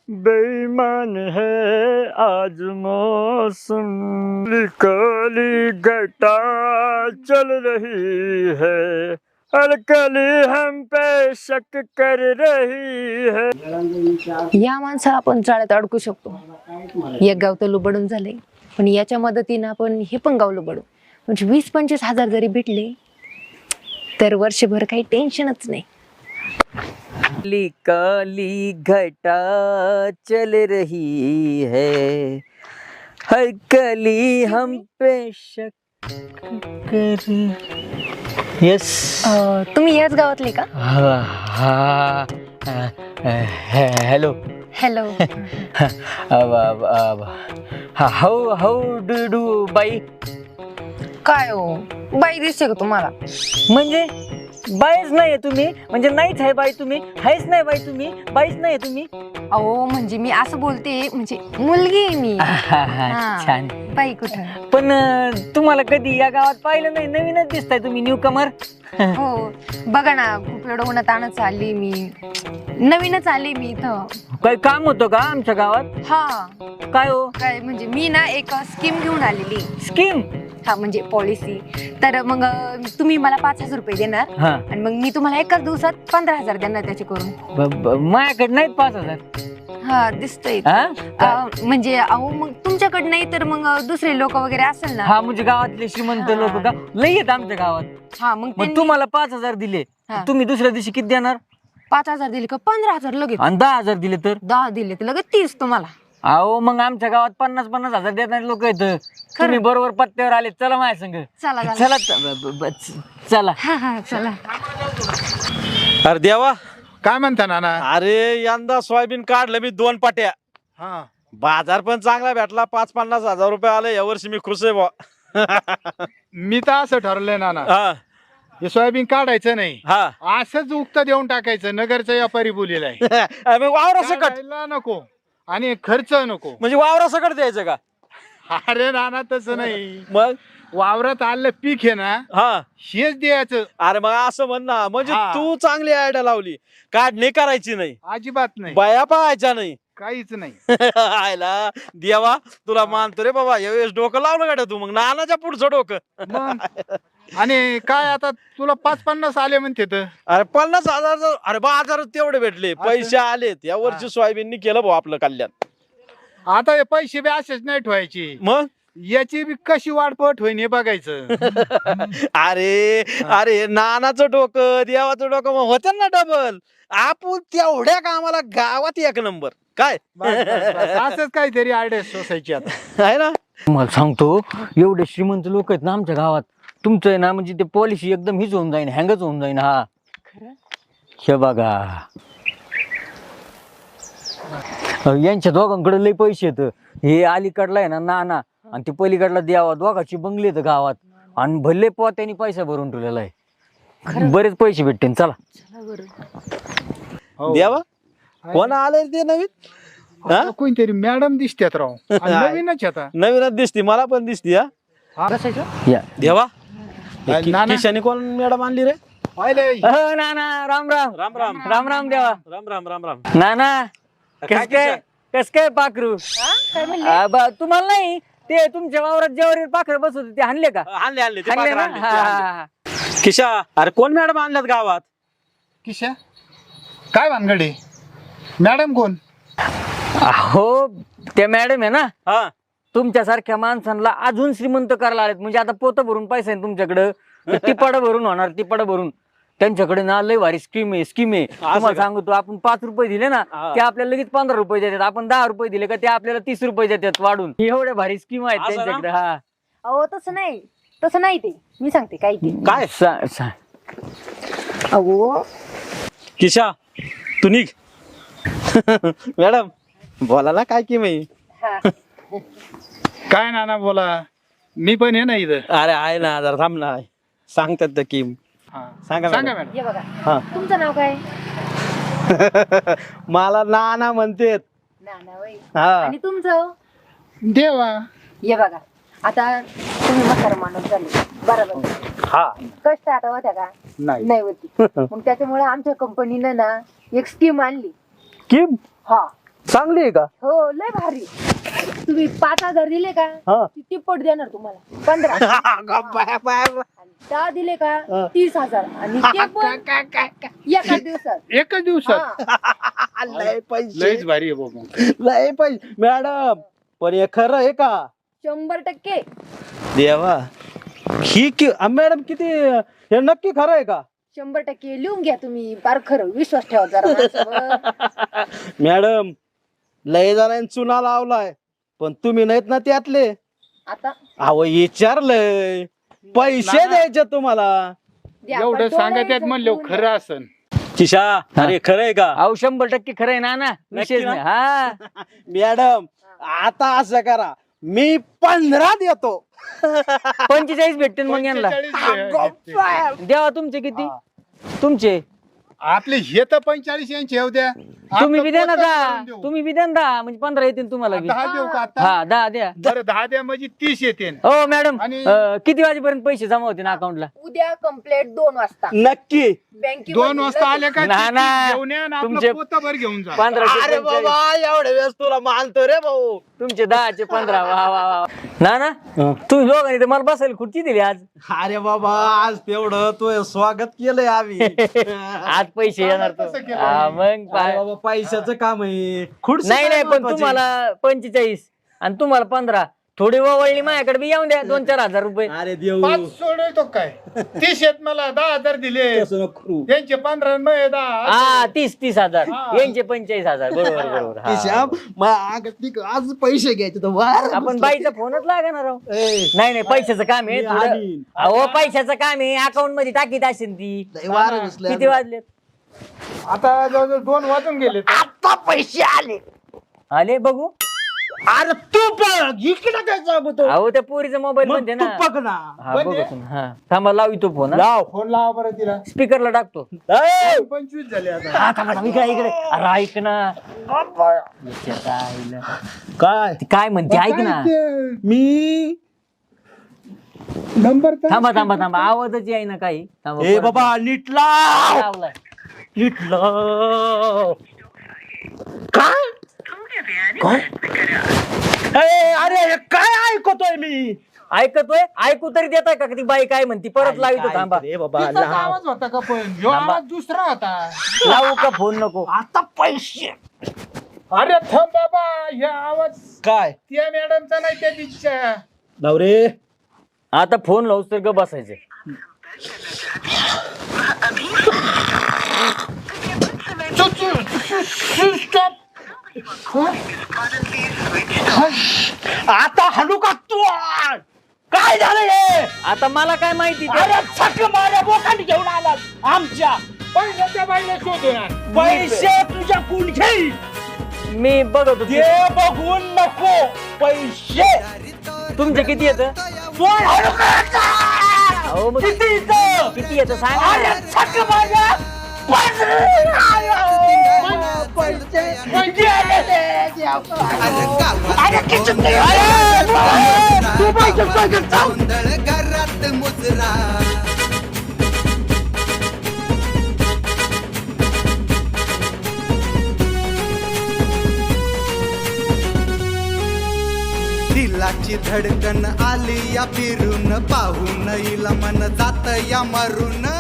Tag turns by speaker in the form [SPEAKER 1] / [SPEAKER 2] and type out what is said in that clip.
[SPEAKER 1] बेईमान है आज मौसम, काली घटा चल रही है, हर कली हम पे शक कर रही है।
[SPEAKER 2] या माणसाला आपण जाळ्यात अडकू शकतो. एक गाव तर लुबडून झाले, पण याच्या मदतीनं आपण हे पण गाव लुबडू. म्हणजे 20-25 हजार जरी भेटले तर वर्षभर काही टेन्शनच नाही.
[SPEAKER 3] काली काली घटा चल रही है, हर कली हम पे शक कर. यस.
[SPEAKER 2] तुम्ही याच गावातले का?
[SPEAKER 3] Hello.
[SPEAKER 2] Hello.
[SPEAKER 3] How how do bye.
[SPEAKER 2] काय हो, बाई दिसते का तुम्हाला?
[SPEAKER 3] म्हणजे बाईच नाहीये तुम्ही, म्हणजे नाहीच आहे बाई तुम्ही, आहेच नाही बाई तुम्ही, बाईच नाहीये तुम्ही.
[SPEAKER 2] अहो म्हणजे मी असं बोलते, म्हणजे मुलगी आहे मी.
[SPEAKER 3] छान.
[SPEAKER 2] बाई कुठं?
[SPEAKER 3] पण तुम्हाला कधी या गावात पाहिलं नाही, नवीनच दिसताय तुम्ही, न्यू कमर.
[SPEAKER 2] हो बघा ना, खूप एवढं उन्हातानच आली मी, नवीनच आली मी इथं.
[SPEAKER 3] काही काम होतं का आमच्या गावात?
[SPEAKER 2] हा.
[SPEAKER 3] काय हो?
[SPEAKER 2] काय म्हणजे मी ना एक स्कीम घेऊन आलेली.
[SPEAKER 3] स्कीम?
[SPEAKER 2] हा म्हणजे पॉलिसी. तर मग तुम्ही मला 5,000 रुपये देणार आणि मग मी तुम्हाला एकाच दिवसात 15,000 देणार त्याचे करून.
[SPEAKER 3] माझ्याकडे नाहीत 5,000.
[SPEAKER 2] हा दिसतंय. म्हणजे अहो मग तुमच्याकडे नाही तर मग दुसरे लोक वगैरे असेल ना.
[SPEAKER 3] हा म्हणजे गावातले श्रीमंत लोक का लई आहेत आमच्या गावात.
[SPEAKER 2] हा मग
[SPEAKER 3] तुम्हाला 5,000 दिले, तुम्ही दुसऱ्या दिवशी किती देणार?
[SPEAKER 2] 5,000 दिले का 15,000 लगेच.
[SPEAKER 3] आणि 10,000 दिले तर?
[SPEAKER 2] 10 दिले तर लगेच 30 तुम्हाला.
[SPEAKER 3] अहो मग आमच्या गावात 50,000 देणारे लोक आहेत. तुम्ही बरोबर पत्त्यावर आले. चला माझ्या संग.
[SPEAKER 2] चला
[SPEAKER 3] चला चला.
[SPEAKER 2] चला.
[SPEAKER 4] अरे देवा,
[SPEAKER 5] काय म्हणता नाना?
[SPEAKER 4] अरे यंदा सोयाबीन काढलं मी 2 पाट्या.
[SPEAKER 5] हा,
[SPEAKER 4] बाजार पण चांगला भेटला, 50-50 हजार रुपये आले यावर्षी. मी खुश आहे बा.
[SPEAKER 5] मी तर असं ठरवलंय नाना,
[SPEAKER 4] हा
[SPEAKER 5] हे सोयाबीन काढायचं नाही,
[SPEAKER 4] हा.
[SPEAKER 5] असंच उक्त देऊन टाकायचं. नगरचा व्यापारी बोलेला आहे.
[SPEAKER 4] मग वावरा सकट
[SPEAKER 5] काढायला नको आणि खर्च नको.
[SPEAKER 4] म्हणजे वावरा सकट द्यायचं का?
[SPEAKER 5] अरे नाना तसं नाही,
[SPEAKER 4] मग
[SPEAKER 5] वावरात आलं पीक आहे ना,
[SPEAKER 4] हा.
[SPEAKER 5] हेच द्यायचं.
[SPEAKER 4] अरे मग असं म्हण ना, म्हणजे
[SPEAKER 5] हा.
[SPEAKER 4] तू चांगली आयडिया लावली. काढणी करायची नाही,
[SPEAKER 5] अजिबात नाही,
[SPEAKER 4] बाया पाहायच्या नाही.
[SPEAKER 5] काहीच नाही.
[SPEAKER 4] आयला देवा, तुला मानतो रे बाबा. यावेळेस डोकं लावलं गाड्या तू, मग नानाच्या पुढचं डोकं.
[SPEAKER 5] मग आणि काय आता तुला 50-50 आले म्हणते तर.
[SPEAKER 4] अरे 50,000. अरे बाजारात तेवढे भेटले, पैसे आलेत या वर्षी. सोयाबीननी केलं भाऊ आपलं कल्याण.
[SPEAKER 5] आता हे पैसे बी असेच नाही ठेवायचे,
[SPEAKER 4] मग
[SPEAKER 5] याची बी कशी वाढपट होईन हे बघायचं.
[SPEAKER 4] अरे अरे नानाचं डोकं देवाचं डोकं मग होतं ना डबल. आपण तेवढ्या कामाला गावात 1 नंबर. काय
[SPEAKER 5] असंच काहीतरी आयडिया सोसायची आता
[SPEAKER 4] आहे ना.
[SPEAKER 3] तुम्हाला सांगतो, एवढे श्रीमंत लोक आहेत ना आमच्या गावात. तुमचं आहे ना म्हणजे ते पॉलिसी एकदम हीच होऊन जाईन, हँगच होऊन जाईन. हा हे बघा, यांच्या दोघांकडे लई पैसे आहेत. हे अलीकडला आहे ना नाना आणि ते पलीकडला द्यावा, दोघांची बंगली आहेत गावात. आणि भले पोत्यानी पैसा भरून ठेवलेला आहे. बरेच पैसे भेटते. चला.
[SPEAKER 5] हो.
[SPEAKER 4] देवा, कोण आले ते नवीन?
[SPEAKER 5] आता कोणतरी मॅडम दिसतात राव. आणि नवीनच आता
[SPEAKER 4] नवीनच दिसती, मला पण दिसती. हा
[SPEAKER 3] या
[SPEAKER 4] देवा,
[SPEAKER 5] नाना.
[SPEAKER 4] खिशाने कोण मॅडम आणली रे?
[SPEAKER 3] हो नाना, राम राम.
[SPEAKER 4] राम राम.
[SPEAKER 3] राम राम देवा.
[SPEAKER 4] राम राम. राम राम.
[SPEAKER 3] नाना
[SPEAKER 4] काय
[SPEAKER 3] कस काय पाखरू? तुम्हाला नाही, ते तुमच्या वावरात ज्यावर पाखरं बसत होते ते हाणले का?
[SPEAKER 4] आणले आणले ते
[SPEAKER 3] हाणले
[SPEAKER 4] पाखरं
[SPEAKER 3] ना?
[SPEAKER 4] आणले, ते
[SPEAKER 3] हा,
[SPEAKER 4] आणले.
[SPEAKER 3] हा, हा.
[SPEAKER 4] खिशा, अरे कोण मॅडम आणल्यात गावात?
[SPEAKER 5] किशा काय भानगडे? मॅडम कोण?
[SPEAKER 3] हो त्या मॅडम आहे ना,
[SPEAKER 4] हा.
[SPEAKER 3] तुमच्यासारख्या माणसांना अजून श्रीमंत करायला आलेत. म्हणजे आता पोतं भरून पैसा आहे तुमच्याकडं, टिपाडं भरून होणार, टिपाडं भरून. त्यांच्याकडे ना लय भारी स्कीम आहे. तुम्हाला सांगतो, आपण 5 रुपये दिले ना, ते आपल्याला लगेच 15 रुपये देतात. आपण 10 रुपये दिले का ते आपल्याला 30 रुपये देतात वाढून. एवढ्या भारी स्कीम आहेत
[SPEAKER 4] असं ना?
[SPEAKER 3] त्यांच्याकडे. हा
[SPEAKER 2] अहो तसं नाही ते मी सांगते काय ते.
[SPEAKER 4] काय
[SPEAKER 2] अहो
[SPEAKER 4] किशा, तू निघ. मॅडम बोला ना, काय की मी.
[SPEAKER 5] काय नाना बोला, मी पण आहे ना इथं.
[SPEAKER 4] अरे आहे ना, जरा थांब ना. सांगतात तर की सांगा
[SPEAKER 5] सांगा
[SPEAKER 4] मॅडम.
[SPEAKER 5] मॅडम.
[SPEAKER 2] हे बघा,
[SPEAKER 4] हा.
[SPEAKER 2] तुमचं नाव काय?
[SPEAKER 4] मला नाना म्हणतेत.
[SPEAKER 2] नाना वय.
[SPEAKER 4] हा.
[SPEAKER 2] आणि तुमचं?
[SPEAKER 5] देवा.
[SPEAKER 2] हे बघा, आता तुम्ही म्हातारा माणूस झाले बरोबर.
[SPEAKER 4] हा.
[SPEAKER 2] कष्ट आता होत्या का? नाही होती. मग त्याच्यामुळे आमच्या कंपनीनं ना एक स्कीम आणली.
[SPEAKER 4] स्कीम?
[SPEAKER 2] हा.
[SPEAKER 4] चांगली आहे का?
[SPEAKER 2] हो लय भारी. तुम्ही 5,000 दिले का
[SPEAKER 4] हा.
[SPEAKER 2] ती तिप्पट देणार तुम्हाला 15. 10 दिले का 30,000 आणि ते पण एका दिवसात.
[SPEAKER 5] एकच दिवसात
[SPEAKER 2] हा.
[SPEAKER 4] लय पैसे,
[SPEAKER 5] लयच भारी आहे बाबा.
[SPEAKER 4] लय पैसे मॅडम. पण हे खरं आहे का?
[SPEAKER 2] 100%
[SPEAKER 4] देवा ही मॅडम किती हे नक्की खरं आहे का?
[SPEAKER 2] 100% लिहून घ्या तुम्ही. फार खरं विश्वास ठेवा जरा माझ्यावर.
[SPEAKER 4] मॅडम लय जणांनी चुना लावलाय पण तुम्ही नाहीत ना त्यातले.
[SPEAKER 2] आता
[SPEAKER 4] अहो विचारलंय पैसे द्यायचे तुम्हाला.
[SPEAKER 2] द्या.
[SPEAKER 5] एवढं
[SPEAKER 2] पण
[SPEAKER 5] सांगा त्यात
[SPEAKER 2] डोळ्याचं
[SPEAKER 5] म्हणलं
[SPEAKER 2] बघून
[SPEAKER 5] खरं असन.
[SPEAKER 4] किशा अरे खरं आहे का?
[SPEAKER 3] अहो 100% खरं आहे ना विशेष
[SPEAKER 4] ना?
[SPEAKER 3] नाही. हा
[SPEAKER 4] मॅडम आता असं करा मी 15 देतो.
[SPEAKER 3] 45 भेटते मग यांना.
[SPEAKER 5] 45
[SPEAKER 3] द्यावा तुमचे किती? तुमचे
[SPEAKER 5] आपले हे तर 45 यांचे येऊ द्या.
[SPEAKER 3] तुम्ही
[SPEAKER 5] आपलं
[SPEAKER 3] बी द्या ना
[SPEAKER 5] पोतं
[SPEAKER 3] 10.
[SPEAKER 5] भरून देऊ.
[SPEAKER 3] तुम्ही बी द्या ना 10 म्हणजे 15 येतील तुम्हाला बी.
[SPEAKER 5] 10 देऊ का आता?
[SPEAKER 3] हा 10 द्या.
[SPEAKER 5] बरं 10 द्या म्हणजे 30 येते.
[SPEAKER 3] हो मॅडम
[SPEAKER 5] आणि-
[SPEAKER 3] किती वाजेपर्यंत पैसे जमा होते ना अकाउंटला?
[SPEAKER 2] उद्या कंप्लेंट 2 वाजता
[SPEAKER 4] नक्की.
[SPEAKER 2] बँकेमध्ये
[SPEAKER 5] 2 वाजता आले का
[SPEAKER 3] ना, ना.
[SPEAKER 5] घेऊन या आणि
[SPEAKER 3] तुमचे-
[SPEAKER 5] आपलं पोतं भर घेऊन जा.
[SPEAKER 3] 15
[SPEAKER 4] अरे बाबा एवढ्या वेळेस तुला मानतो रे भाऊ.
[SPEAKER 3] तुमचे 10 चे 15. वा वा वा ना ना तुम्ही दोघांनी तर मला बसायला खुर्ची दिली आज.
[SPEAKER 4] अरे बाबा आज तेवढं तू स्वागत केलंय आम्ही.
[SPEAKER 3] आज पैसे येणार तो.
[SPEAKER 5] तसं केलं
[SPEAKER 3] हा,
[SPEAKER 5] मी.
[SPEAKER 3] मग
[SPEAKER 4] अरे
[SPEAKER 3] काय?
[SPEAKER 4] बाबा पैशाचं काम आहे. खुर्ची
[SPEAKER 3] नाही
[SPEAKER 4] काय
[SPEAKER 3] नाही पण
[SPEAKER 4] महत्वाची?
[SPEAKER 3] तुम्हाला 45 आणि तुम्हाला 15 थोडी वळली माझ्याकडे बी येऊन द्या 2-4 हजार रुपये.
[SPEAKER 4] अरे देऊ
[SPEAKER 5] 5 सोडतो काय 30 येत मला 10,000 दिले.
[SPEAKER 4] तसं नको करू.
[SPEAKER 5] त्यांचे 15 आणि माझे 10.
[SPEAKER 3] हा 30 हजार
[SPEAKER 5] हा.
[SPEAKER 3] यांचे 45,000 बरोबर बरोबर हा.
[SPEAKER 4] किशा, आज पैसे घ्यायचे तर वार
[SPEAKER 3] आपण बाईचा फोनच लागणार आहो.
[SPEAKER 4] ए,
[SPEAKER 3] नाही नाही पैशाचं काम आहे
[SPEAKER 4] मी
[SPEAKER 3] थोडं.
[SPEAKER 4] आणीन.
[SPEAKER 3] अहो पैशाचं काम आहे अकाउंट मध्ये टाकीत असेल ती.
[SPEAKER 4] लय वार घुसले.
[SPEAKER 3] किती वाजले?
[SPEAKER 5] आता जवळजवळ 2 वाजून गेले.
[SPEAKER 4] आता पैसे आले.
[SPEAKER 3] आले बघू.
[SPEAKER 4] अरे तू बघ इकडे काय सांगतो.
[SPEAKER 3] अहो त्या पोरीचा मोबाईल
[SPEAKER 4] मग
[SPEAKER 3] मध्ये
[SPEAKER 4] तू
[SPEAKER 3] ना.
[SPEAKER 4] बघ ना.
[SPEAKER 3] हा
[SPEAKER 5] बंद
[SPEAKER 3] बघू
[SPEAKER 5] आहे?
[SPEAKER 3] तुम्ही. हा थांबा लावितो फोन.
[SPEAKER 4] लाव.
[SPEAKER 5] फोन लावा बरं तिला.
[SPEAKER 3] स्पीकरला टाकतो.
[SPEAKER 4] ए,
[SPEAKER 5] 25 झाले आता.
[SPEAKER 3] हा थांबा थांबा, इकडे इकडे. अरे ऐक ना. याच्यात आईला.
[SPEAKER 4] काय
[SPEAKER 3] ती काय म्हणते ऐक ना.
[SPEAKER 4] मी
[SPEAKER 5] नंबर
[SPEAKER 3] थांबा थांबा थांबा आवाजच आहे ना काही. थांबा,
[SPEAKER 4] ए
[SPEAKER 3] परत
[SPEAKER 4] बाबा नीट लाव.
[SPEAKER 3] लावलाय.
[SPEAKER 4] नीट लाव. काय काय? ए, अरे हे काय ऐकतोय मी?
[SPEAKER 3] ऐकतोय ऐकू तरी देताय का ती बाई काय म्हणती परत लावितो. थांबा
[SPEAKER 4] रे बाबा
[SPEAKER 5] तिचाच
[SPEAKER 4] लाव.
[SPEAKER 5] आवाज होता का पण ह्यो
[SPEAKER 3] थांबा.
[SPEAKER 5] आवाज दुसरा होता.
[SPEAKER 3] लावू का फोन नको?
[SPEAKER 4] आता पैसे
[SPEAKER 5] अरे थांब बाबा हे आवाज
[SPEAKER 4] काय
[SPEAKER 5] त्या मॅडमचा नाही त्या दिसच्या.
[SPEAKER 4] लाव रे.
[SPEAKER 3] आता फोन लावूस तर ग बसायचं.
[SPEAKER 5] स्टॉप.
[SPEAKER 4] आता हलू का तू? काय झालं हे?
[SPEAKER 3] आता मला काय माहिती ते?
[SPEAKER 4] अरे छक माझ्या बोकांनी घेऊन आलात आमच्या.
[SPEAKER 5] पहिल्याच्या बाईला शोधून
[SPEAKER 4] पैसे तुझ्या कोण घेईल?
[SPEAKER 3] मी बघत होतो.
[SPEAKER 4] ते बघून नको पैसे.
[SPEAKER 3] तुमचे किती येत?
[SPEAKER 4] फोन हलू का?
[SPEAKER 3] अहो मग
[SPEAKER 4] किती इथं?
[SPEAKER 3] किती येत सांगा
[SPEAKER 4] अरे
[SPEAKER 3] ना.
[SPEAKER 4] छक माझ्या पैसे गेले रे देवा. अरे किती ते? अरे तू पैसे चाल.
[SPEAKER 6] घरात मुजरा दिलाची धडकन आली या फिरून पाहून इला मन जात या मरून